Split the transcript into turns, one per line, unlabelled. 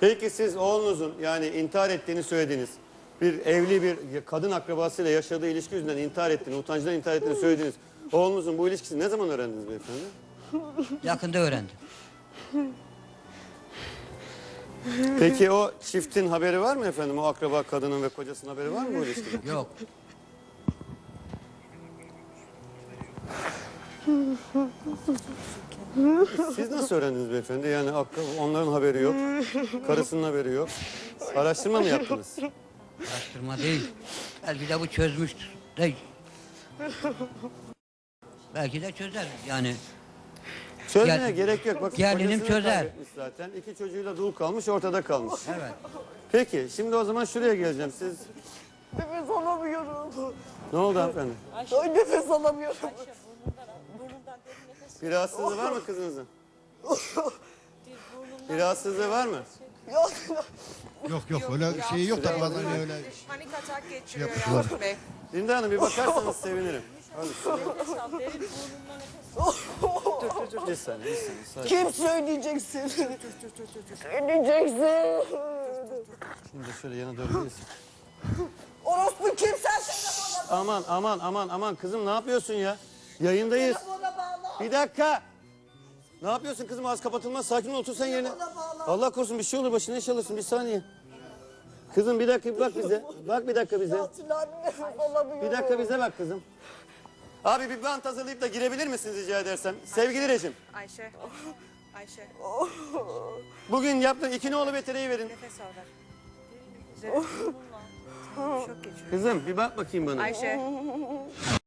Peki siz oğlunuzun yani intihar ettiğini söylediğiniz bir evli bir kadın akrabasıyla yaşadığı ilişki yüzünden intihar ettiğini, utancından intihar ettiğini söylediğiniz oğlunuzun bu ilişkisini ne zaman öğrendiniz beyefendi?
Yakında öğrendim.
Peki o çiftin haberi var mı efendim? O akraba kadının ve kocasının haberi var mı bu ilişkiden?
Yok.
Siz nasıl öğrendiniz beyefendi? Yani onların haberi yok, karısının haberi yok. Araştırma mı yaptınız?
Araştırma değil. Belki de bu çözmüştür. Değil. Belki de çözer yani.
Çözmeye gerek yok. Bakın
Gelinim
kocasını
çözer.
kaybetmiş zaten. 2 çocuğuyla dul kalmış, ortada kalmış.
Evet.
Peki, şimdi o zaman şuraya geleceğim. Siz
Nefes alamıyorum.
ne oldu hanımefendi?
Ay nefes alamıyorum.
Bir rahatsızlığı var mı kızınızın? Bir rahatsızlığı var mı?
Yok.
Yok öyle şey yok da bazen öyle.
Panik atak geçiriyor
Yapmışlar.
Yakup Bey.
Linda Hanım bir bakarsanız sevinirim. Hadi. Bir saniye. Sakin.
Kim söyleyeceksin? Söyleyeceksin.
Şimdi şöyle yana dönmeyiz.
Orospu kim sen telefona
Aman kızım ne yapıyorsun ya? Yayındayız.
bağla.
Bir dakika. Ne yapıyorsun kızım? Ağız kapatılmaz. Sakin ol, otur sen yerine. Allah korusun bir şey olur, başına iş alırsın. Bir saniye. Kızım bir dakika bir bak bize. Bak bir dakika bize.
Atilla nefes alamıyorum.
Bir dakika bize bak kızım. Abi bir bant hazırlayıp da girebilir misiniz rica edersem? Sevgili rejim.
Ayşe. Ayşe.
Bugün yaptığın 2 nolu betereyi verin.
Nefes al ver. Üzerine burnunla. Şok geçiriyor.
Kızım bir bak bakayım bana.
Ayşe.